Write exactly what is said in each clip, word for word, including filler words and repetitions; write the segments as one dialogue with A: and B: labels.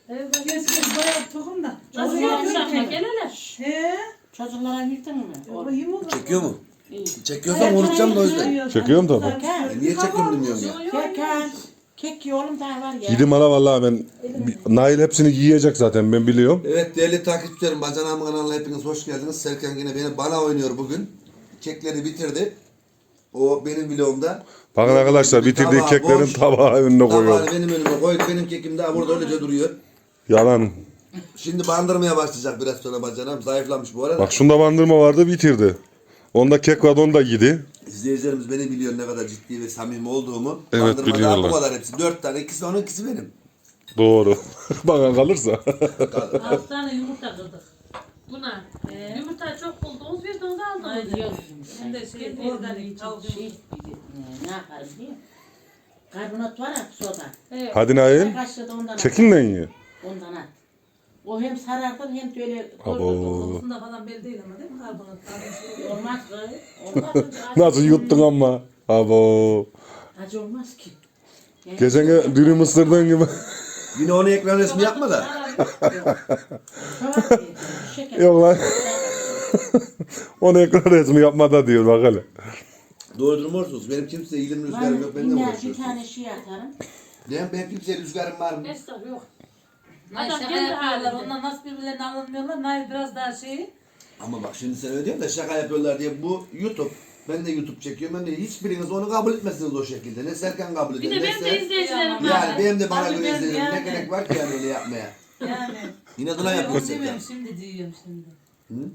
A: Evet, geç geç bayağı tokum da.
B: Nasıl yapacağım ya? Gel hele.
A: He?
C: Çocuklara yıktın mı?
A: O iyi mi olur?
D: Çekiyor mu?
C: İyi.
D: Çekiyorsam unutacağım da o yüzden.
E: Çekiyorum tabii.
D: E niye çekiyorum bilmiyorum ya.
C: Kek ha. Kek yiyorum daha var ya.
E: Yedim hala vallahi ben. Nail hepsini yiyecek zaten ben biliyorum.
D: Evet değerli takipçilerim, Bacanağım kanalına hepiniz hoş geldiniz. Serkan yine beni bana oynuyor bugün. Kekleri bitirdi. O benim vlogumda.
E: Bakın arkadaşlar bitirdiği
D: Tabağı
E: keklerin
D: boş.
E: tabağı önüne koyuyor.
D: Tabağını benim önüme koydu. Benim kekim daha burada öylece duruyor.
E: Yalan.
D: Şimdi bandırmaya başlayacak biraz sonra bacanağım. Zayıflamış bu arada.
E: Bak şunda bandırma vardı bitirdi. Onda kek vardı onu da yedi.
D: İzleyicilerimiz beni biliyor ne kadar ciddi ve samimi olduğumu.
E: Evet,
D: Bandırmada
E: biliyorlar.
D: bu kadar hepsi. Dört tane. İkisi onun ikisi benim.
E: Doğru. Bana kalırsa.
B: Altı tane yumurta kırdık. Buna. Ee? Yumurta çok buldunuz bir de onu aldım.
C: Ay yok.
B: Şimdi şey organik tavuk.
C: Şey, ne yaparım diye. Karbonat var ya soda.
B: Evet.
E: Hadi Nail.
C: Bir kaşığı da ondan at.
E: Kekinle ye.
C: Ondan at. O hem sarardır hem de öyle
E: Abo.
A: Kokusunda falan belli değil ama değil mi karbonat?
C: olmaz. Olmaz.
E: Nasıl yuttun ama. Abo.
C: Acı olmaz ki. Yani
E: Geçen gün dürüm ısırdığın gibi.
D: Yine onu ekran resmi yapma da.
C: Çoğalt diye, şeker.
E: Yok lan. Onu ekran resmi yapmada diyor bak hele.
D: Doğru durmuyorsunuz. Benim kimseye ilim rüzgarım
C: Ben
D: yok. Benden
C: bir
D: uğraşıyorsunuz.
C: tane şey atarım.
D: Benim, benim kimseye rüzgarım var mı?
B: Estağfurullah yok.
A: Ay
B: Adam
A: şaka
B: kendi
A: yapıyorlar.
B: halinde.
A: Onlar nasıl birbirlerine alınmıyorlar. Nail biraz daha şey.
D: Ama bak şimdi sen öyle diyorsun da şaka yapıyorlar diye bu YouTube. Ben de YouTube çekiyorum. Ben de hiçbiriniz onu kabul etmezsiniz o şekilde. Ne Serkan kabul eder.
B: Bir de
D: ne
B: benim
D: sen-
B: de izleyicilerim var.
D: Yani benim de bana
A: Tabii
D: göre
A: ben
D: izleyelim. Ne
A: yani.
D: gerek var ki yani öyle yapmaya.
A: Yani.
D: Yine Duna yapıyor Serkan.
A: Demiyorum şimdi diyorum şimdi.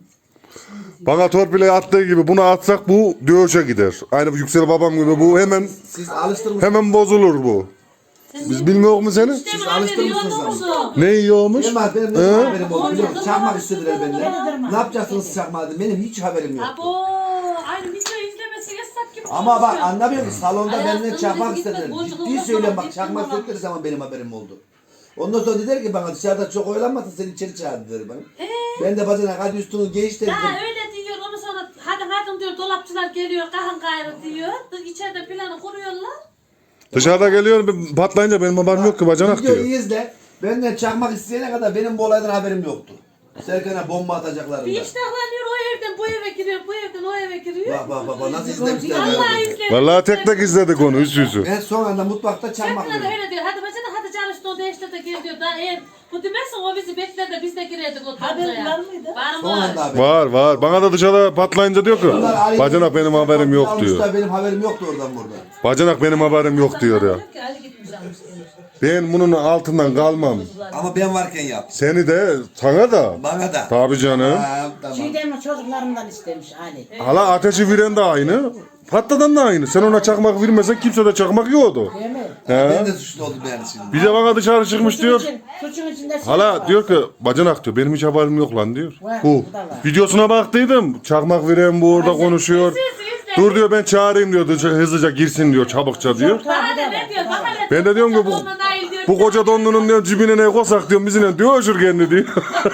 E: Bana torpile attığı gibi bunu atsak bu dövüşe gider. Aynı Yüksel babam gibi bu hemen
D: Siz alıştırmışsınız.
E: hemen bozulur bu. Biz bilmiyor mu seni?
D: Siz alıştırmışsınız ama.
E: Ne yiyormuş?
D: Benim, benim ne
E: He?
D: haberim oldu biliyor musun? Çakmak istediler benden. Ne yapacaksınız çakmağı? Benim hiç haberim yok.
B: Abo, aynı video izlemesi yasak gibi.
D: Ama bak
B: konuşuyor.
D: anlamıyor musun? Salonda
B: Ay,
D: benden
B: aslında
D: çakmak
B: biz
D: istediler.
B: gitmek, boşluk
D: Ciddi
B: olmasa
D: söylüyorum
B: bak,
D: bak çakmak
B: gittim
D: istedikleri zaman benim haberim oldu. Ondan sonra dediler ki bana dışarıda çok oyalanmasın seni içeri çağırdı dedi bana.
B: Ee?
D: Ben de bacanak hadi üstünü giyiş dedim.
B: Ha öyle diyor ondan sonra hadi hadi diyor dolapçılar geliyor kahın gayrı diyor. İçeride planı kuruyorlar.
E: Dışarıda geliyor bir patlayınca benim haberim yok ki bacanak
D: Videoyu
E: diyor.
D: izle. Benden çakmak isteyene kadar benim bu olaydan haberim yoktu. Serkan'a bomba
B: Bir
D: atacaklarında.
B: iştahlanıyor o evden bu eve giriyor bu evden o eve giriyor.
D: Bak bak bak bak nasıl izlemişler.
B: Allah
D: ya.
B: izledim.
E: Vallahi tek tek izledik onu üst yüzü.
D: Ben son anda mutfakta çakmak
B: Çakına da
D: yedim.
B: öyle diyor. Hadi bacana hadi çalıştı o değişti de gir diyor. Daha eğer bu demezse o bizi bekler de biz de girerdik o
A: Haberin
B: topluya.
A: var mıydı?
B: Var
D: Son anda
B: mı?
D: haberim.
E: Var var. Bana da dışarıda patlayınca diyor ki bacanak benim haberim yok diyor.
D: Almışlar, benim haberim yoktu oradan burada.
E: Bacanak benim haberim yok diyor ya.
A: Ki Ali gitmiş almış gelmiş.
E: Ben bunun altından kalmam.
D: Ama ben varken yap.
E: Seni de sana da.
D: Bana da.
E: Tabii canım.
D: Ha, tamam.
C: Şeyden mi çocuklarımdan istemiş Ali.
E: Hala ateşi veren de aynı. Patladan da aynı. Sen ona çakmak vermesen kimse de çakmak yoktu.
C: Değil mi?
E: He.
D: Ben de suçlu oldum yani şimdi.
E: Bir de bana dışarı çıkmış diyor.
C: Suçun, suçun içinde şey
E: Hala
C: var.
E: diyor ki bacanak diyor benim hiç haberim yok lan diyor.
C: Var,
E: Bu
C: bu da var.
E: videosuna baktıydım. Çakmak veren bu orada konuşuyor. Dur diyor ben çağırayım diyor hızlıca girsin diyor çabukça diyor.
B: Daha da ne diyor? Bak hele.
E: Ben de diyorum ki bu,
B: Onunla Nail diyor.
E: bu koca donlunun diyor cibine ne koysak diyor bizimle diyor öşür kendi diyor.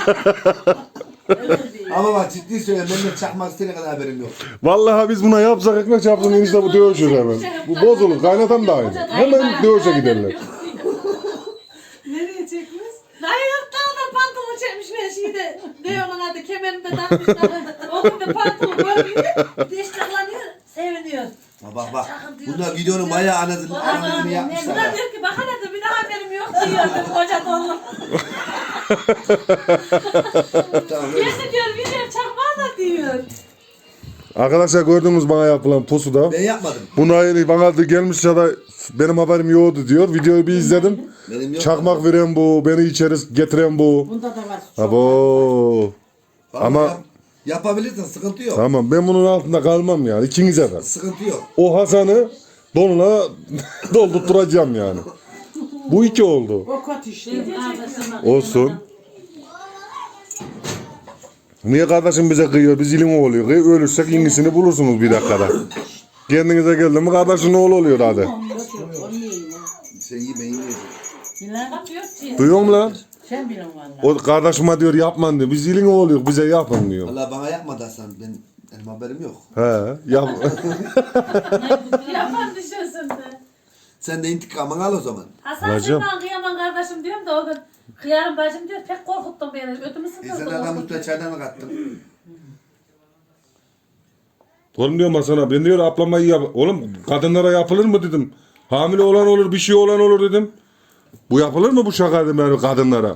D: Ama bak ciddi söylüyorum benden çakmak isteyene kadar haberim yok.
E: Vallahi biz buna yapsak ekmek çarpsın enişte bu dövüşür hemen. Bu bozulur kaynatan da aynı. Hemen dövüşe giderler.
A: Nereye çekmiş?
B: Nail yurtlarına pantolon çekmiş ve şeyde ne onun adı kemerinde takmışlar. O gün de pantolon görmüyor. Dişlerlanıyor. Seviniyor.
D: Ha bak bak. Bunlar videonun bayağı anasını, anasını yapmışlar.
B: Bunlar
D: ha.
B: diyor ki bak hele de bir daha haberim yok diyor. Koca donlu.
D: Tamam öyle.
B: Gerçi diyor video çakmağı da diyor.
E: Arkadaşlar gördüğünüz bana yapılan pusuda.
D: Ben yapmadım.
E: Buna bana da gelmiş ya da benim haberim yoktu diyor. Videoyu bir izledim.
D: Benim yok.
E: Çakmak veren bu, beni içeri getiren bu.
C: Bunda da var. Çok var.
E: Abo.
D: Vallahi
E: Ama-
D: yap- yapabilirsin sıkıntı yok.
E: Tamam ben bunun altında kalmam yani ikinize de.
D: Sıkıntı yok.
E: O Hasan'ı donuna doldurtturacağım yani. Bu iki oldu.
C: O kötü işte.
E: Olsun. Niye kardeşim bize kıyıyor? Biz ilim oluyor. Kıy- Ölürsek yenisini bulursunuz bir dakikada. Kendinize geldi mi kardeşin oğlu oluyor hadi.
C: Onu yiyeyim ha.
D: Sen iyi ben yiyeceğim.
C: Bilal,
B: Yok diyor.
E: Duyuyor musun lan?
C: sen bilin valla.
E: O kardeşime diyor yapman diyor. Biz ilim oluyor bize yapın diyor.
D: Allah bana yapmadı Hasan. Ben, benim haberim yok.
E: He yap.
B: Yapan düşünsün de.
D: Sen de intikamını al o zaman.
B: Hasan
E: Alacağım.
B: sen bana kıyamam kardeşim diyorum da o gün kıyarım bacım diyor pek korkuttun beni. Ödümü
D: E sen
B: sıkıldın.
D: adam üstüne çaydan mı kattın?
E: Oğlum diyorum ben sana, ben diyor ablama iyi yap. Oğlum kadınlara yapılır mı dedim. Hamile olan olur, bir şey olan olur dedim. Bu yapılır mı bu şaka dedim yani kadınlara.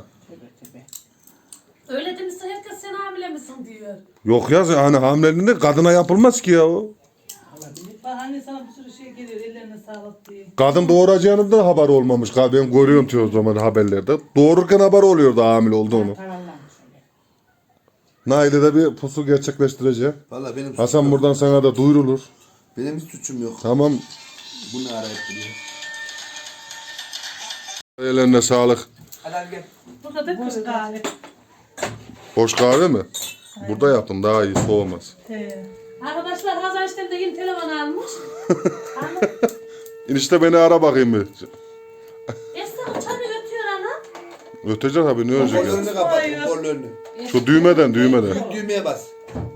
B: Öyle demişsin herkes sen hamile misin diyor.
E: Yok ya hani hamileliğinde kadına yapılmaz ki ya o.
A: Bak anne sana bir sürü şey geliyor ellerine sağlık diye.
E: Kadın doğuracağını da haber olmamış. Ben görüyorum diyor o zaman haberlerde. Doğururken haber oluyordu hamile olduğunu. Nail'e de bir pusu gerçekleştirecek.
D: Valla benim
E: Hasan
D: suçum yok.
E: buradan sana da duyurulur.
D: Benim hiç suçum yok.
E: Tamam.
D: Bu ne arayıp duruyor?
E: Ellerine sağlık.
A: Burada da boş kahve.
E: Boş kahve mi? Burada yaptım daha iyi soğumaz.
A: He.
B: Arkadaşlar Hasan işte de yeni telefon almış. Ama
E: İnişte beni ara bakayım bir.
B: Esra çanı ötüyor ana.
E: Ötecek tabii ne olacak ya.
D: Kollarını kapat, kollarını.
E: Şu düğmeden düğmeden.
D: Düğmeye bas.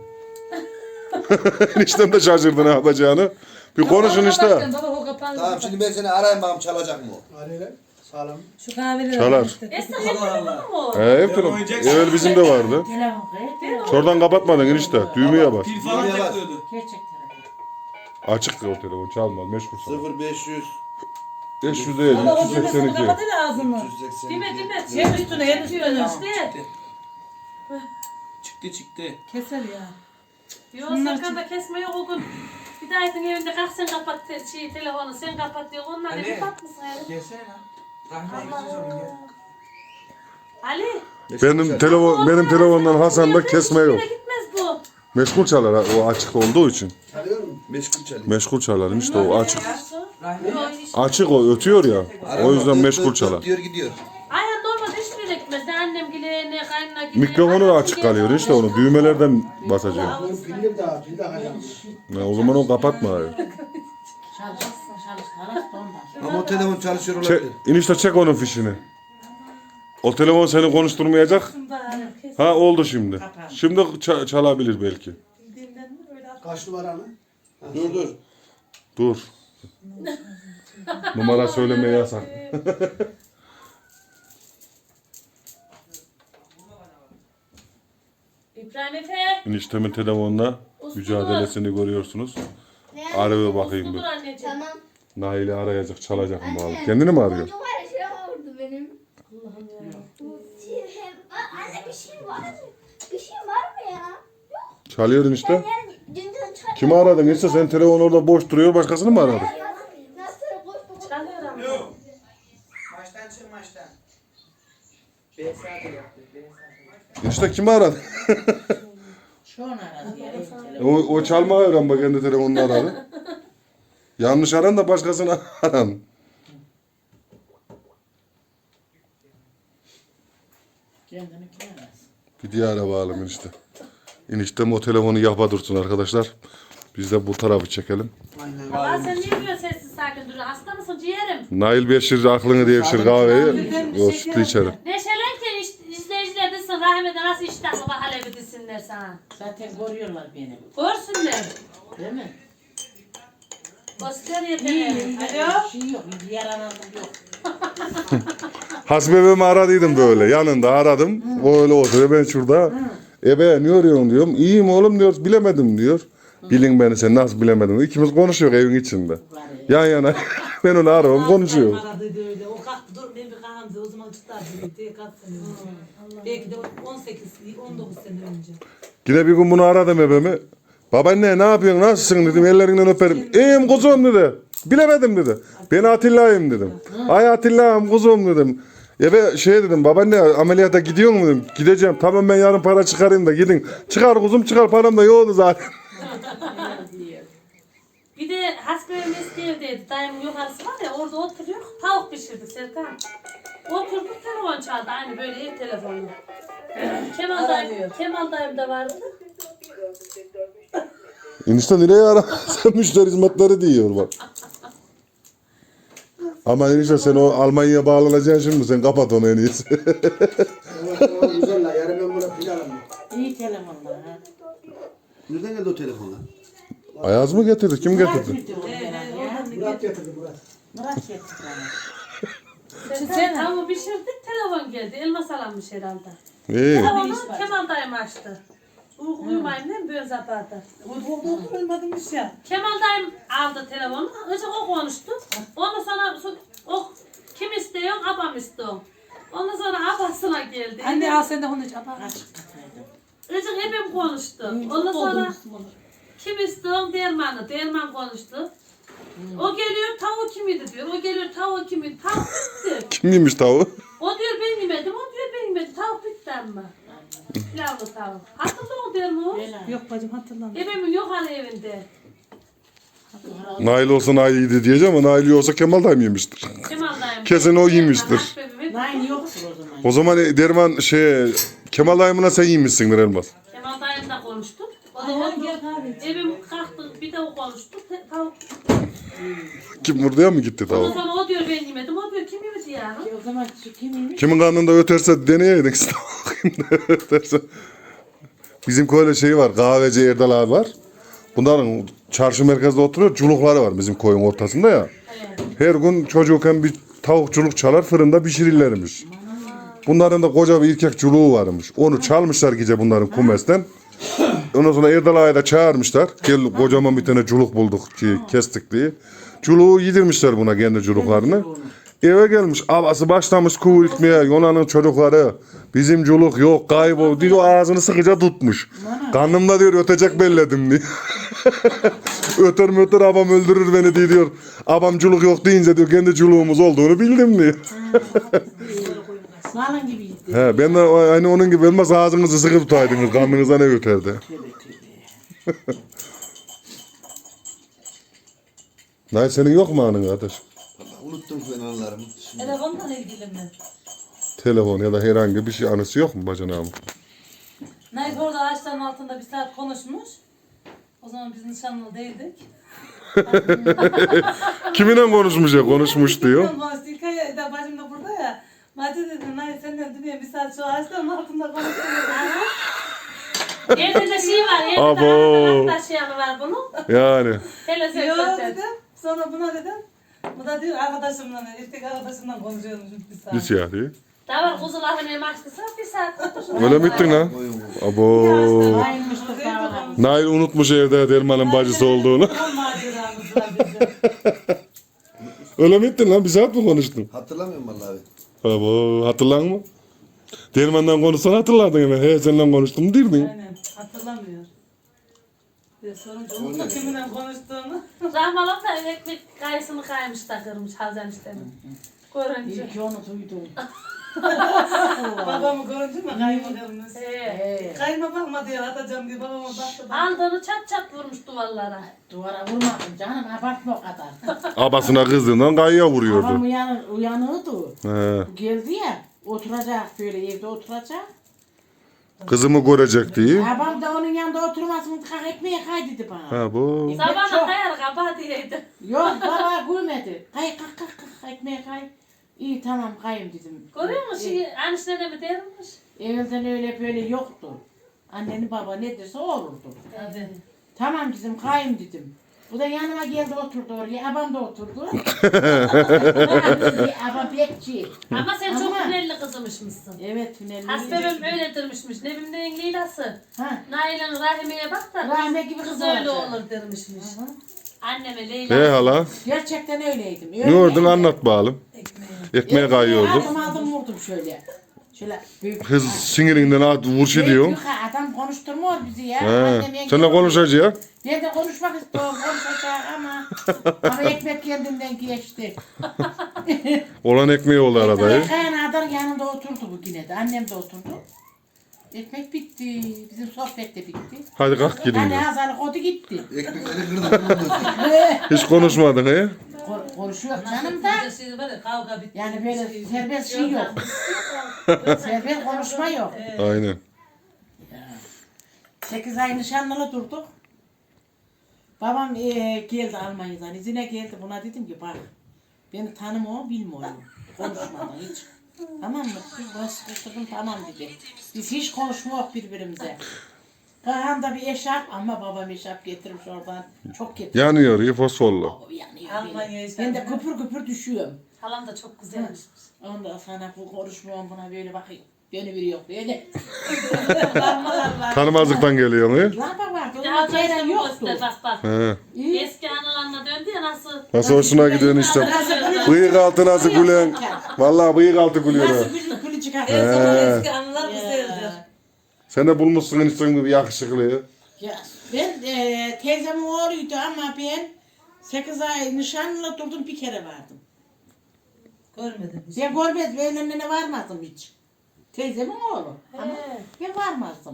E: Eniştem de şaşırdı ne yapacağını. Bir konuşun işte.
A: Baba o kapandı.
D: Tamam şimdi ben seni arayayım bakalım çalacak mı o?
F: Arayla sağlam.
A: Şu kahveleri
E: Çalar.
B: Esra hep telefonu mu?
E: He efendim. Evvel bizim de vardı.
C: Telefon kayıt.
E: Şuradan kapatmadın enişte. Düğmeye bas.
F: Pil falan
D: Düğmeye bas.
F: takıyordu.
C: Gerçek telefon.
E: Açık o telefon çalmaz meşgul sana.
D: sıfır beş yüz
E: beş yüz değil
A: Baba o
E: üç yüz seksen
A: düğmesini
E: iki.
A: kapat hele ağzını.
D: üç yüz seksen
B: Dime
D: iki.
B: dime.
A: Hem üstüne hem üstüne.
B: İşte.
F: Çıktı çıktı.
A: Keser ya.
B: Yok Serkan da kesme yok o gün. Bir daha edin evinde kalk sen kapat te- şey, telefonu sen kapat diyor. Onlar ne kapatmışsın yani.
F: Gelsene lan. Rahmetli sorun gel.
B: Ali.
E: Benim telefon benim telefondan Hasan'da kesme yok.
B: Hiçbir yere gitmez bu.
E: Meşgul çalar ha, o açık olduğu için.
D: Çalıyor mu? Meşgul çalıyor.
E: Meşgul çalar işte o açık.
F: Rahmetli.
B: Yok, hiç-
E: Açık o ötüyor ya. O yüzden
D: Dıt
E: meşgul
D: dıt dıt
E: çalar.
D: diyor gidiyor.
B: Ayhan normalde hiçbir yere gitmez. Ne annem gile ne kaynına gile.
E: Mikrofonu da açık kalıyor işte onu düğmelerden basacağım.
F: Bunun pilli daha pil daha kaçmış.
E: Ya o zaman o kapatma. Abi.
C: Çalışsın çalışsın. Ondan.
D: Ama o telefon çalışıyor
E: Çek,
D: olabilir.
E: enişte çek onun fişini. O telefon seni konuşturmayacak. Ha oldu şimdi. Şimdi ça- çalabilir belki.
F: Kaç numara mı?
D: Dur dur.
E: Dur. Numara söylemeye yasak.
B: İbrahim Efe.
E: Eniştemin telefonla mücadelesini görüyorsunuz. Araya bakayım bir.
B: Dur anneciğim.
G: Tamam.
E: Nail'i arayacak, çalacak mı bakalım. Kendini mi arıyor?
G: Çocuk var ya şey vurdu benim. Allah'ım ya. Anne bir şey var mı? Bir şey var mı ya?
E: Çalıyor enişte.
G: Yani dün dün çay...
E: Kimi aradın? İşte sen telefon orada boş duruyor, başkasını mı aradın?
G: Nasıl boş boş?
B: Çalıyor ama.
F: Yok. Maçtan çık maçtan. B saati yaptı. B saati.
E: İşte kimi aradın?
C: Şu an aradı ya. ev telefonu.
E: o, o çalma öğren bak kendi telefonunu aradı. Yanlış aran da başkasını aran.
C: Kendini kim arasın?
E: Bir diğer bağlı enişte. Eniştem o telefonu yapa dursun arkadaşlar. Biz de bu tarafı çekelim.
F: Aynen.
B: Allah sen niye böyle sessiz sakin duruyorsun? Hasta mısın ciğerim?
E: Nail Beşir aklını devşir kahveyi. O sütlü içerim.
B: Neşelen ki iş- izleyiciler desin rahmete nasıl iştahlı bak Halebi desinler sana.
C: Zaten görüyorlar beni.
B: Görsünler.
C: Değil mi?
B: Göster yeteneği.
A: Alo.
C: Bir şey yok. Bir yaranazlık yok.
E: Hasbebemi aradıydım böyle. Yanında aradım. O öyle oturuyor. Ben şurada. Ebe ne arıyorsun diyorum. İyiyim oğlum diyor. Bilemedim diyor. Bilin beni sen nasıl bilemedim. İkimiz konuşuyor evin içinde. Yan yana. Ben onu arıyorum konuşuyor.
A: Aradıydı öyle. O kalktı dur ben bir kahvemde o zaman çıkardı diye kaç sene önce. Belki de on sekiz on dokuz sene önce.
E: Yine bir gün bunu aradım ebemi. Babaanne ne yapıyorsun nasılsın dedim ellerinden öperim. İyiyim kuzum dedi. Bilemedim dedi. Ben Atilla'yım dedim. Ay Atilla'yım kuzum dedim. Ebe şey dedim babaanne ameliyata gidiyor mu dedim. Gideceğim tamam ben yarın para çıkarayım da gidin. Çıkar kuzum çıkar param da yoktu zaten.
B: Bir de hasbenin eski evdeydi. Dayımın yukarısı var ya orada oturuyor. Tavuk pişirdik Serkan. Oturduk telefon çaldı aynı böyle ev telefonu. Kemal dayım, Kemal dayım da vardı.
E: Enişte nereye ara? Sen müşteri hizmetleri diyor bak. Ama enişte sen o Almanya'ya bağlanacaksın şimdi sen kapat onu en iyisi.
F: Evet tamam güzel la. Yarın ben buna pil alayım.
C: İyi telefonlar ha.
D: Nereden geldi o telefon lan?
E: Ayaz mı getirdi? Kim getirdi?
C: Bitti o zaman ya.
F: Murat getirdi Murat.
C: Murat getirdi bana.
B: Sen tavuğu pişirdik, telefon geldi. Elmas alanmış herhalde.
E: İyi.
B: Telefonu Kemal dayım açtı. Uy- Uyumayayım değil mi? Böyle zapardı.
A: Uyku oldu ölmedim ya.
B: Kemal dayım aldı telefonu. Önce o konuştu. Ondan sonra so- o kim istiyor? Abam istiyor. Ondan sonra abasına geldi.
A: Anne al sen de onu iç. Ama
C: Açık kataydım.
B: Önce hepim konuştu. Ondan sonra kim istiyor? Derman'ı. Derman konuştu. O geliyor tavuğu kimiydi diyor. O geliyor tavuğu kimiydi. Tavuk bitti.
E: Kim yemiş tavuğu?
B: O diyor ben yemedim. O diyor ben yemedim. Tavuk bitti ama. Pilavlı tavuk. Hatırlıyor mu Derman?
C: Bela.
A: yok bacım hatırlamıyorum.
B: Ebemin yok hani evinde.
E: Nail olsa Nail yedi diyeceğim ama Nail yoksa Kemal dayım yemiştir.
B: Kemal dayım.
E: Kesin o yemiştir.
B: Akbebemin-
C: Nine yoktur o zaman.
E: O zaman Derman şey Kemal dayımına sen yemişsindir Elmas.
B: Kemal dayımla konuştuk. O da
A: Ay,
B: oldu.
A: gel kahve.
B: Evim kalktı bir de o konuştu. Te- Tavuk.
E: Kim buraya mı gitti
B: Ondan
E: tavuk?
B: sonra o diyor ben yemedim. O diyor kim yemedi yani?
C: O zaman şu kimiymiş?
E: Kimin karnında öterse deneyeydin işte bakayım ne öterse. Bizim köyde şey var, kahveci Erdal abi var. Bunların çarşı merkezde oturuyor, culukları var bizim koyun ortasında ya.
B: Evet.
E: Her gün çocukken bir tavukçuluk çalar, fırında pişirirlermiş. Bunların da koca bir erkek culuğu varmış. Onu çalmışlar gece bunların kumesten. Ondan sonra Erdal ağayı da çağırmışlar. Gel kocaman bir tane culuk bulduk ki kestik diye. Culuğu yedirmişler buna kendi culuklarını. Eve gelmiş, abası başlamış kuğu itmeye, Yunan'ın çocukları. Bizim culuk yok, kaybol diyor, ağzını sıkıca tutmuş. Karnımda diyor ötecek belledim diyor. Öter mi öter, abam öldürür beni diye diyor. Abam culuk yok deyince diyor, kendi culuğumuz olduğunu bildim diyor.
C: Malın gibiydi.
E: He, ben de aynı onun gibi olmaz, ağzınızı sıkı tutaydınız, karnınıza ne öterdi. Nay senin yok mu anın kardeş?
D: Unuttum ben anılarımı. Şimdi
A: Telefonla ilgili mi?
E: Telefon ya da herhangi bir şey anısı yok mu bacanağım?
A: Neyse orada ağaçların altında bir saat konuşmuş. O zaman biz nişanlı değildik.
E: Kiminle konuşmuş ya, konuşmuş diyor.
A: Konuştuk. Hikaye de bacım da burada ya. Mati dedi, Nay senden dünya bir saat şu ağaçların altında konuşuyoruz.
B: Evde de şey var. Evde
E: Abo.
B: de arkadaş yanı var bunun.
E: Yani.
B: Hele sen
A: Yok
B: zaten.
A: dedim. Sonra buna dedim. Bu da diyor arkadaşımla, erkek arkadaşımla konuşuyormuş bir saat.
E: Bir şey diyor.
B: Davar kuzularını yemiştiyse bir saat otursun.
E: Öyle mi ettin lan?
D: koyun
E: Abo.
C: Nine Mustafa.
E: Nail unutmuş evde Derman'ın bacısı olduğunu.
A: Son maceramız var bizim.
E: Öyle mi ettin lan? Bir saat mi konuştun?
D: hatırlamıyorum vallahi abi.
E: Abo, hatırlan mı? Derman'dan konuşsan hatırlardın hemen. He seninle konuştum derdin.
A: Aynen hatırlamıyor. Bir sorunca unutma kiminle konuştuğunu.
B: Rahmalam da ekmek kayısını kaymış takırmış Hazan istedim. Görünce.
C: İlk onu duydum.
A: Babamı görünce mi kaymakamız?
B: Ee,
C: Ee,
A: Kayma bakma diyor atacağım diye babama baktı. baktı.
B: aldığını çat çat vurmuş duvarlara.
C: duvara vurmadım canım, abartma o kadar.
E: Abasına kızdığından kayaya
C: Babam
E: vuruyordu.
C: uyanır, uyanırdı.
E: He.
C: Bu geldi ya, oturacak böyle evde oturacak.
E: Kızımı görecek diye.
C: Babam da onun yanında oturmasın, kalk ekmeğe kay dedi bana.
E: Ha bu.
B: Sabahına
C: çok-
B: kayar kaba diyeydi.
C: Yok baba gülmedi. Kay kalk kalk kalk ekmeğe kay. İyi tamam kayım dedim.
B: Görüyor musun? Şey, annesine de mi dermiş?
C: Evvelden öyle böyle yoktu. Annenin baba ne derse o olurdu.
A: Hadi.
C: Tamam dedim kayım dedim. Bu da yanıma geldi oturdu oraya. Abam da oturdu. Abam bekçi.
B: Ama sen çok
C: Ama-
B: tünelli kızımışmışsın.
C: Evet tünelli.
B: Hasbebim öyle durmuşmuş. Nebim'den Leyla'sı.
C: Ha.
B: Nail'in Rahime'ye bak da
C: Rahime gibi
B: kız
C: kız
B: öyle
C: olacak.
B: olur dermişmiş.
C: Hı.
B: Anneme Leyla.
E: He hala.
C: Gerçekten öyleydim.
E: Ne gördün anlat bakalım.
A: Ekmeği.
E: Ekmeğe kayıyordu.
C: Aldım aldım vurdum şöyle. Şöyle büyük.
E: Kız sinirinden at vurşu diyor.
C: Büyük adam konuşturmuyor bizi ya.
E: He.
C: Annem yenge-
E: Seninle konuşacak.
C: Ben de konuşmak istiyorum, konuşacağım ama ama ekmek kendinden geçti.
E: Olan ekmeği oldu arada.
C: Kayanadan yanında oturdu bu yine de, annem de oturdu. Ekmek bitti, bizim sohbet de bitti.
E: Hadi kalk gidin.
C: Yani
E: de.
C: hazalık oldu gitti.
D: Ekmekleri kırdım kırdım.
E: Hiç konuşmadın he?
C: Ko- Konuşuyor canım da.
A: Nasıl şey var ya kavga bitti.
C: Yani böyle
A: Şey-
C: serbest şey yok. Serbest konuşma yok.
E: Aynen.
C: Sekiz ay nişanlılı durduk. Babam eee, geldi Almanya'dan, izine geldi. Buna dedim ki bak, beni tanımıyor, bilmiyor. Konuşmadan hiç. Tamam mı? Ben sıkıştırdım, tamam dedi. Biz hiç konuşmuyoruz birbirimize. Kafamda bir eşarp ama babam eşarp getirmiş oradan. Çok getirmiş.
E: Yanıyor, iyi fosforlu.
C: O yanıyor
A: Almanya'ya
C: beni. Ben de
A: eşarp.
C: kıpır kıpır düşüyorum.
B: Halam da çok güzelmiş.
C: Ondan sonra bu konuşmuyorum buna böyle bakayım. Beni biri yok böyle.
E: Tanımazlıktan geliyor mu?
C: Lamba vardı.
B: Bir de
C: Onun ceyran
B: arkadaşlarım
C: yoktu.
B: göster bak bak.
E: He.
B: Eski analarına döndü ya nasıl?
E: Nasıl hoşuna gidiyorsun işte. Bıyık altı nasıl gülen. Vallahi bıyık altı gülüyor. ha.
C: Nasıl gülü gülü çıkar.
A: Her zaman eski anılar güzeldir.
E: Sen de bulmuşsun enişten bir yakışıklıyı.
C: Ya, ben e, teyzemin oğluydu ama ben sekiz ay nişanlı durdum bir kere vardım.
A: Görmedim hiç.
C: Ben görmez evlenene varmadım hiç. Teyzemin oğlu. Ama ben varmazdım.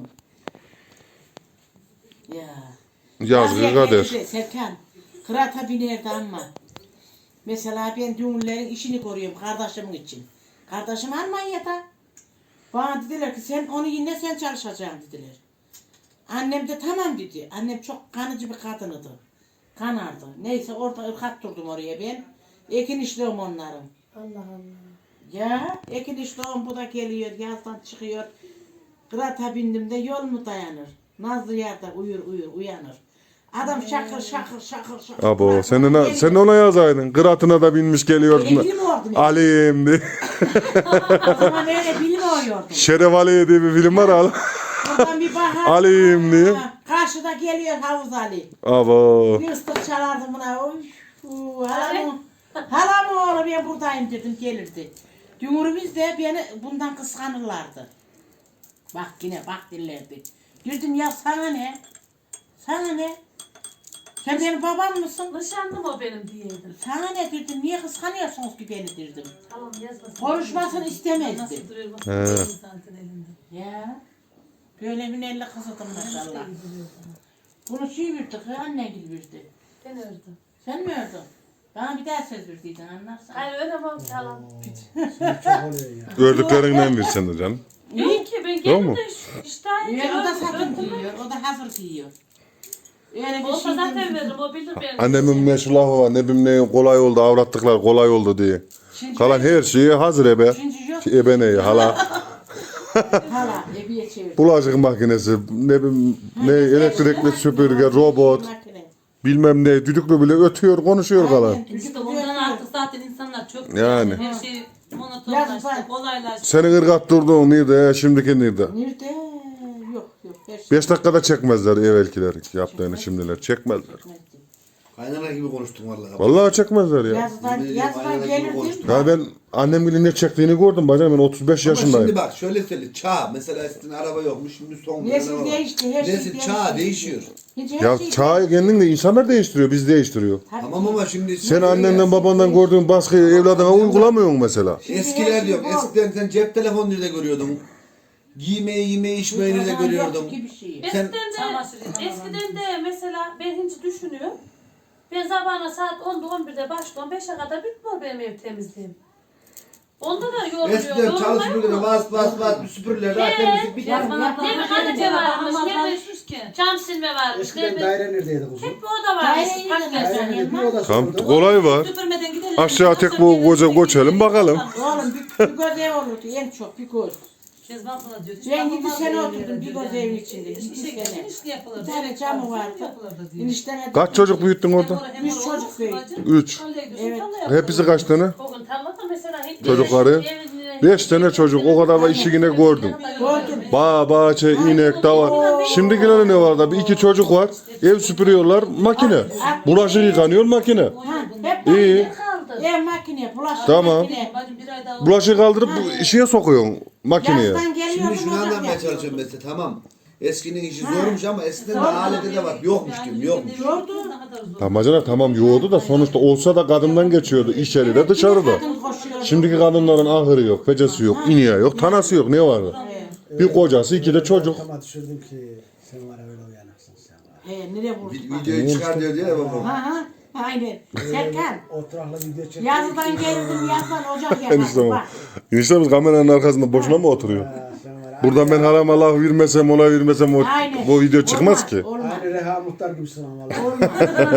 C: Ya.
E: Yazgı
C: Bazı
E: kader.
C: yerlerde Serkan, kırata binerdi ama. Mesela ben düğünlerin işini koruyorum kardeşimin için. Kardeşim Almanya'da. Bana dediler ki sen onu yine sen çalışacaksın dediler. Annem de tamam dedi. Annem çok kanıcı bir kadınıdı. Kanardı. Neyse orada ırkat durdum oraya ben. Ekin işliyorum onların.
B: Allah Allah.
C: Ya ekin işliyorum bu da geliyor yazdan çıkıyor. Kırata bindim de yol mu dayanır? Nazlı yerde uyur uyur uyanır. Adam şakır şakır şakır şakır.
E: Abo sen de, na- sen de ona yazaydın. Kıratına da binmiş geliyorsun.
C: Öyle bilmiyordum.
E: Ali'yim diye.
C: O zaman öyle bilmiyordum.
E: Şeref Ali diye bir film var al.
C: Oradan bir bakar.
E: Ali'yim diye.
C: Ha, karşıda geliyor Havuz Ali.
E: Abo.
C: Bir ıslık çalardım buna. Oy, uu, halamın, halamın oğlu ben buradayım dedim gelirdi. Dümürümüz de beni bundan kıskanırlardı. Bak yine bak dillerdi. Dedim ya sana ne? Sana ne? Sen benim babam mısın?
B: Nişanlım o benim diyeydim.
C: Sana ne dedim? Niye kıskanıyorsunuz ki beni dedim.
B: Tamam yazmasın.
C: Konuşmasını istemezdi.
A: Nasıl duruyor bak.
E: He.
A: Zaten elinde.
C: Ya. Böyle bir elle kızıdım maşallah. Bunu şey verdi, annen gibi verdi.
B: Ben ördüm.
C: Sen mi ördün? Bana bir daha söz verdiydin anlarsan.
B: Hayır ödemem ki halam.
E: Gördüklerinden bir sen de canım.
B: İyi ki ben
E: Tamam mı?
B: geldim de iş- iştahım
C: Ya, o da satın
B: ördüm.
C: giyiyor, o da hazır giyiyor. Öyle bir
B: Olsa
C: şey
B: zaten
C: değil.
B: veririm o bilir beni.
E: Annemin meşhur lafı var. Ne bileyim ne kolay oldu. Avrattıklar kolay oldu diye.
C: Şimdi
E: Kalan her şeyi hazır ebe.
C: Şimdi yok.
E: Ebe ne hala.
C: Hala ebiye çevir.
E: Bulaşık makinesi, ne bileyim ne elektrikli süpürge, robot,
C: Makine.
E: bilmem ne düdüklü bile ötüyor, konuşuyor kalan.
C: Aynen,
A: İşte ondan artık zaten insanlar çok
E: Yani.
A: her şey monotonlaştı,
C: Yazık.
A: kolaylaştı.
E: Senin ırgat durduğun nerede, şimdiki nerede?
C: Nerede? Yok yok. Her şey.
E: Beş dakikada çekmezler evvelkiler yaptığını şimdiler, çekmezler.
D: Kaynana gibi konuştum vallahi.
E: Vallahi çekmezler ya.
C: Yazdan,
D: Yemin
C: yazdan
D: ediyorum,
C: gelirdim.
D: konuştum.
E: Ya ben annem bile ne çektiğini gördüm bacım, ben otuz beş
D: Ama şimdi
E: yaşındayım.
D: bak şöyle söyle çağ mesela eskiden araba yokmuş şimdi son model
C: Nesil
D: araba.
C: değişti, her şey
D: Nesil
C: değişti.
D: çağ değişiyor.
C: Hiç her
E: Ya
C: şey
E: çağı kendin de insanlar değiştiriyor, biz değiştiriyor.
C: Tabii.
D: Tamam ama şimdi
E: Sen annenden babandan gördüğün baskıyı evladına uygulamıyorsun mesela.
D: eskiler diyorum
C: Şimdi her şey
D: eskiden sen cep telefonu nerede görüyordun? Giymeyi yemeği içmeyi nerede
C: Yok
D: görüyordun?
C: ki bir şey.
D: Sen-
B: Eskiden de,
A: Çamaşır yıkamadan.
B: eskiden de mesela ben hiç düşünüyorum. Ben sabahına saat onda on birde başlıyorum. beşe kadar bitmiyor benim ev temizliğim. Onda da yoruluyor.
D: Eskiden
B: Yorulmuyor
D: çalışmıyordu
B: mu?
D: bas bas bas bir süpürürler daha temizlik bitmez.
A: Yazman
C: Ya,
A: abla.
B: ne bir kalite varmış, ne bir-
A: düşmüş ki.
B: Cam silme varmış. Ne
H: Eskiden
B: bir
H: daire neredeydi kuzum?
B: hep bir oda varmış.
C: Daire
B: Hakikaten.
H: Dairenin bir odası
E: Tam
H: vardı.
E: kolay var.
A: Süpürmeden gidelim.
E: Aşağı tek bu koca göçelim bakalım.
C: Oğlum bir, bir göz ev olurdu en çok bir göz.
A: Kezban sana diyor.
C: Ben yedi sene oturdum bir göz evin içinde. Yedi
A: İşe
C: sene.
A: gitsin işte yapılır.
C: Bir tane camı vardı.
A: Yapılırdı diyor.
C: Enişteme
E: Kaç çocuk büyüttün orada?
C: Üç çocuk büyüttüm.
E: Üç.
C: Evet.
E: Hepsi kaç tane?
B: Bugün tarlada mesela hiç
E: Çocukları.
B: evin-
E: Beş tane çocuk, o kadar da işi yine gördüm.
C: Gördüm.
E: Bağ, bahçe, inek, dava. Şimdikiler ne var da bir iki çocuk var. Ev süpürüyorlar, makine. Bulaşık yıkanıyor, makine.
C: Ha, hep
E: İyi.
C: makine kaldı. Ev makine, bulaşık
E: Tamam.
C: makine.
A: Bacım bir ay daha
E: Bulaşığı kaldırıp bu işe sokuyorsun makineye.
C: Yazdan
D: Şimdi
C: geliyordum
D: şunu
C: ocak
D: anlatmaya
C: yapıyordum.
D: çalışıyorum mesela tamam. Eskinin işi zormuş ama eskiden de aleti de var. Yokmuş diyorum yokmuş.
E: Amacına tamam yoğurdu da sonuçta olsa da kadından geçiyordu. İçeri de dışarıda.
C: Kadın koşuyordu.
E: Şimdiki kadınların ahırı yok, fecesi yok, ineği yok, tanası yok. Ne vardı? Bir kocası, iki de çocuk.
H: Ama düşürdüm ki sen var ya öyle uyanıksın sen var.
C: He, nereye vurdun?
D: Vi- Videoyu çıkar diyor diyor ya babam.
C: Ha ha. Aynen. Serkan.
H: Oturakla video çektim.
C: Yazdan geldim yazdan ocak
E: Enişte
C: yapardım.
E: mi?
C: Bak.
E: Eniştemiz kameranın arkasında boşuna mı oturuyor?
H: Ha, sen var ya.
E: Buradan ben harama laf vermesem, ona vermesem o,
C: Aynen.
E: bu video çıkmaz
C: Olmaz,
E: ki.
C: Olmaz.
H: Aynı Reha Muhtar gibisin ama valla.
C: Olmaz.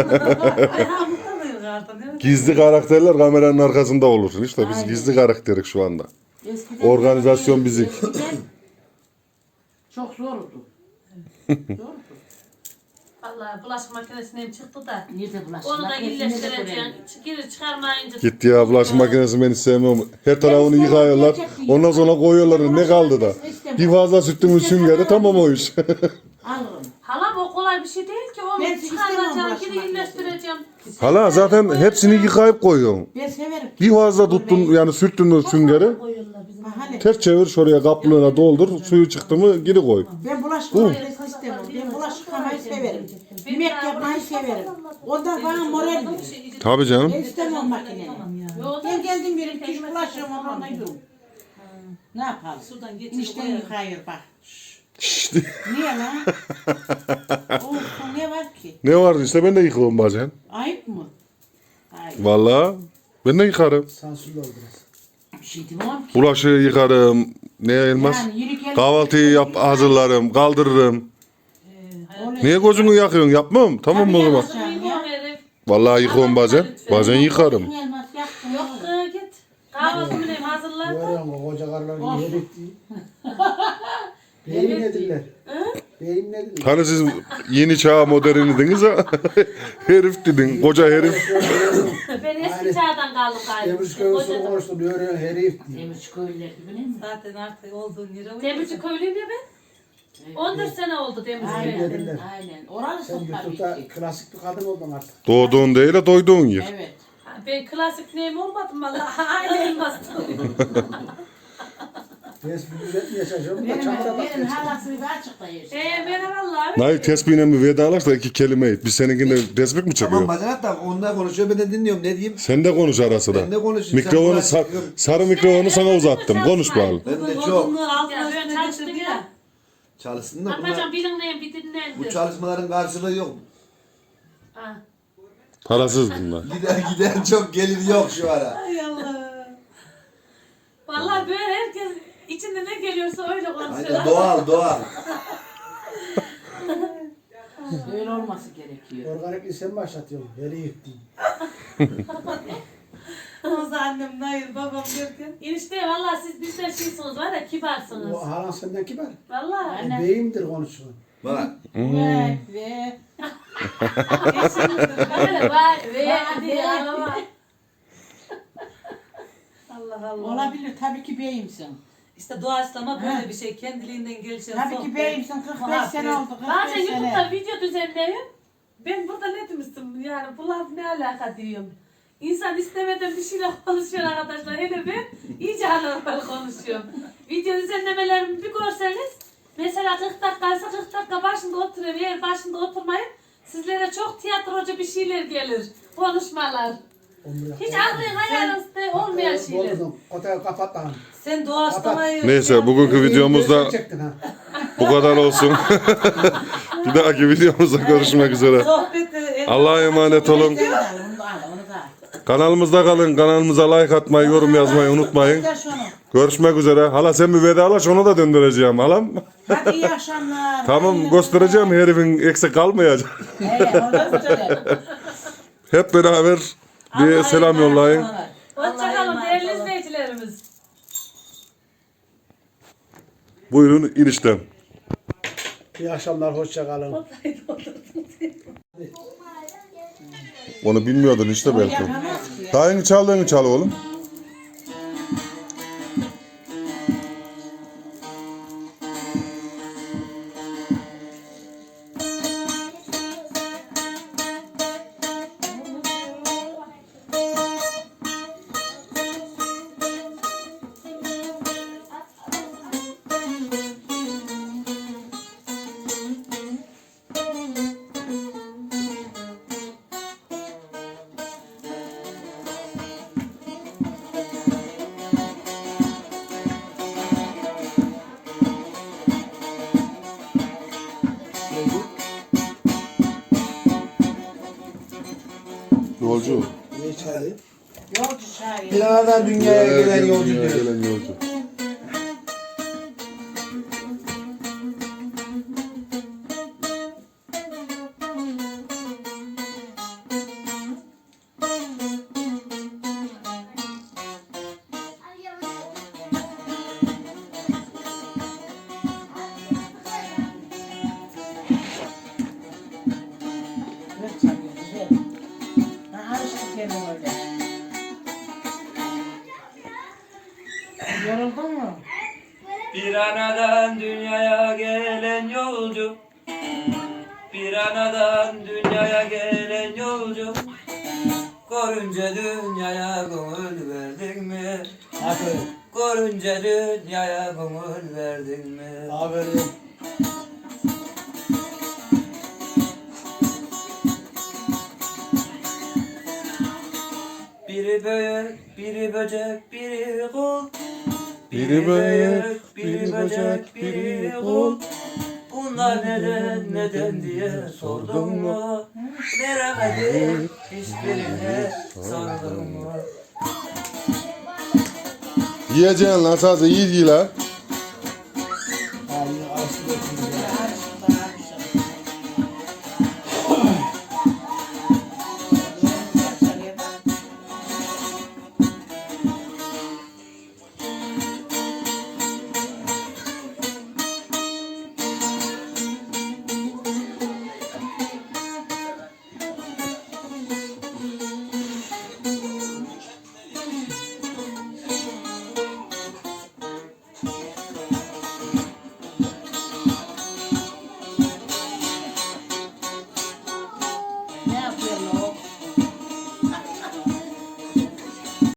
E: Gizli karakterler kameranın arkasında olursun. İşte biz
C: Aynen.
E: gizli karakterik şu anda.
C: Eskiden-
E: Organizasyon bizik.
C: Eskiden çok zordu. Doğru.
B: Vallahi bulaşık makinesinden çıktı da.
C: Nerede bulaşık?
B: Onu da
C: Makinesini de
B: iyileştireceksin.
C: görelim.
B: Geri çıkarmayınca.
E: Gitti ya bulaşık makinesi ben hiç sevmem. Her tarafını yıkıyorlar. Ondan sonra koyuyorlar. Ne kaldı da? Bir fazla süttün süngeri tamam o iş.
C: Alırım.
B: Halam o kolay bir şey değil ki. Onu
C: Ben istemem
B: çıkaracaksın,
C: bulaşık
B: geri
C: makinesini.
B: iyileştireceğim.
E: Hala zaten hepsini yıkayıp koyuyorsun.
C: Ben severim.
E: Bir fazla tuttun yani sürttün süngeri.
B: Koyuyorlar bizim.
C: Ha, hani
E: Ters çevir şuraya kaplığına doldur. Suyu çıktı mı geri koy.
C: ben bulaşık
E: Hı.
C: makinesini istemem. Ben bulaşık yıkamayı severim. Yemek yapmayı severim. Ondan bana moral verir.
E: Tabii canım.
C: Ben istemem makineyi.
A: Tamam ya.
B: Yo,
C: Ben geldim bir iki bulaşığım ondan yiyorum. Ne yapalım?
A: Sudan geçirip
C: İşten
A: koyarım.
C: yıkayır bak.
E: İşte.
C: Niye lan? Of ne var ki?
E: Ne var işte ben de yıkıyorum bazen.
C: Ayıp mı? Ayıp.
E: Vallahi ben de yıkarım.
H: Sansürlü oldu biraz.
C: Bir şey demem ki.
E: Bulaşığı yıkarım. Ne elmas?
C: Yani yürü gel.
E: Kahvaltıyı yap hazırlarım, kaldırırım.
C: Öyle-
E: Niye gözünü yakıyorsun? Yapmam. Tamam mı o zaman?
C: Tabii
B: Yıkıyorum herif.
E: Vallahi yıkıyorum bazen. Bazen yıkarım.
C: Elmas yaktın.
B: Yok kız, git. Kahvaltımı neyim hazırlar.
H: Görüyor musun koca karılar yedik diye. Beyim nedirler? Beyim nedirler?
E: Hani siz yeni çağ moderni dediniz ha? Herif dedin. Koca herif.
B: Ben eski çağdan kaldım galiba.
H: Demirci köyüsünü konuştum. Görüyor herif diye.
C: Demirci köylüler gibi değil mi?
A: Zaten artık olduğun yere uyuyor.
B: Demirci köylüyüm ya ben. on dört sene oldu Demirci
C: Aynen.
B: köyü.
H: Nedirler?
C: Aynen. Oralısın
H: Sen
C: tabii
H: YouTube'da
C: ki.
H: klasik bir kadın oldun artık.
E: Doğduğun değil de doyduğun yer.
C: Evet.
B: Ben klasik neyim olmadım valla. Aynı elmastım.
H: Ben bir düzeltmeye çalışıyorum.
C: Benim,
H: da çamura
C: benim
H: bak.
C: halasını bir açıkta yaşıyor.
B: Eee merhaba abi.
E: Nail tespihle bir vedalaş da iki kelime et. Biz seninkinde tespih mi
D: Tamam
E: çakıyor?
D: bacanak da onlar konuşuyor ben de dinliyorum ne diyeyim.
E: Sen de konuş ara sıra.
D: Ben de konuşayım.
E: Mikrofonu
D: Sen
E: sar- sarı mikrofonu sana uzattım. Konuş bakalım.
D: Ben de
A: Bugün
D: çok
A: odunluğu altına
B: Ya ben
A: üstüne
B: çalıştım
A: getirdi
B: ya.
A: ya.
D: çalışsın da
B: Yapacağım
D: bunlar,
B: bilinmeyen bir
D: bu
B: dinlendir.
D: çalışmaların karşılığı yok.
B: Ha.
E: Parasız bunlar.
D: Gider gider çok gelir yok şu ara.
A: Ay Allah.
B: Vallahi böyle herkes içinde ne geliyorsa öyle konuşuyor.
D: Aynen doğal doğal.
C: Öyle olması gerekiyor.
H: Organik sen başlatıyorsun. Herif diye.
A: O zaman annem hayır babam derken.
B: Enişte vallahi siz bizden şeysiniz var ya kibarsınız.
H: O halan senden kibar.
B: Vallahi.
H: O beyimdir konuşuyor.
D: Bak
C: Ve ve
B: Böyle vay ve diye ama.
A: Allah Allah.
C: olabilir tabii ki beyimsin.
A: İşte doğaçlama böyle bir şey. Kendiliğinden gelişen
C: Tabii ki
A: sohbet.
C: beyimsin. kırk beş
A: muhabbet.
C: sene oldu. kırk
B: Bazen
C: beş
B: YouTube'da
C: sene.
B: video düzenliyorum. Ben burada ne demiştim yani bu laf ne alaka diyorum. İnsan istemeden bir şeyle konuşuyor arkadaşlar. Hele ben iyice anormal konuşuyorum. Video düzenlemelerimi bir görseniz mesela kırk dakikaysa kırk dakika başında oturuyorum. Eğer başında oturmayın sizlere çok tiyatrocu bir şeyler gelir. Konuşmalar. Hiç aklın hayalınızda olmayan şeyler.
H: Bozdum. Kotayı kapat lan.
A: Sen doğaçlamayı...
E: Neyse bugünkü videomuzda
H: Çektin ha.
E: bu kadar olsun. Bir dahaki videomuzda görüşmek üzere.
A: Sohbet... e,
E: Allah'a emanet olun.
C: Onu da al, onu da al, onu da al.
E: Kanalımızda kalın. Kanalımıza like atmayı, yorum yazmayı unutmayın.
C: Gel şunu.
E: Görüşmek üzere. Hala sen bir vedalaş onu da döndüreceğim halam.
C: Hadi iyi akşamlar.
E: Tamam göstereceğim herifin eksik kalmayacak.
C: Evet, orada söyle.
E: Hep beraber bir selam yollayın.
B: Hoşçakalın değerli izleyicilerimiz.
E: Buyurun inişten.
H: İyi akşamlar. Hoşça kalın.
E: Onu bilmiyordun işte belki.
C: Yapamaz ki.
E: Daha yeni çaldığını çal oğlum. Yolcu.
H: Ne çayı?
C: Yolcu şair.
D: Planlardan dünyaya gelen yolcu
E: Dünyaya
D: diyor.
E: gelen yolcu.
C: aynen öyle. Yoruldun mu?
F: Bir anadan dünyaya gelen yolcu, bir anadan dünyaya gelen yolcu, görünce dünyaya gönül verdin mi?
H: Aferin.
F: Görünce dünyaya gönül verdin mi?
H: Aferin.
F: Biri büyük, biri böcek, biri kul.
E: Biri büyük, biri böcek, biri kul.
F: Bunlar neden, neden diye sordun mu? Veremedik hiçbirine sordun mu?
E: Yiyeceksin lan sazı iyi değil ha.
H: Ha yine arasında oturuyor ya.
C: Ne yapıyorsun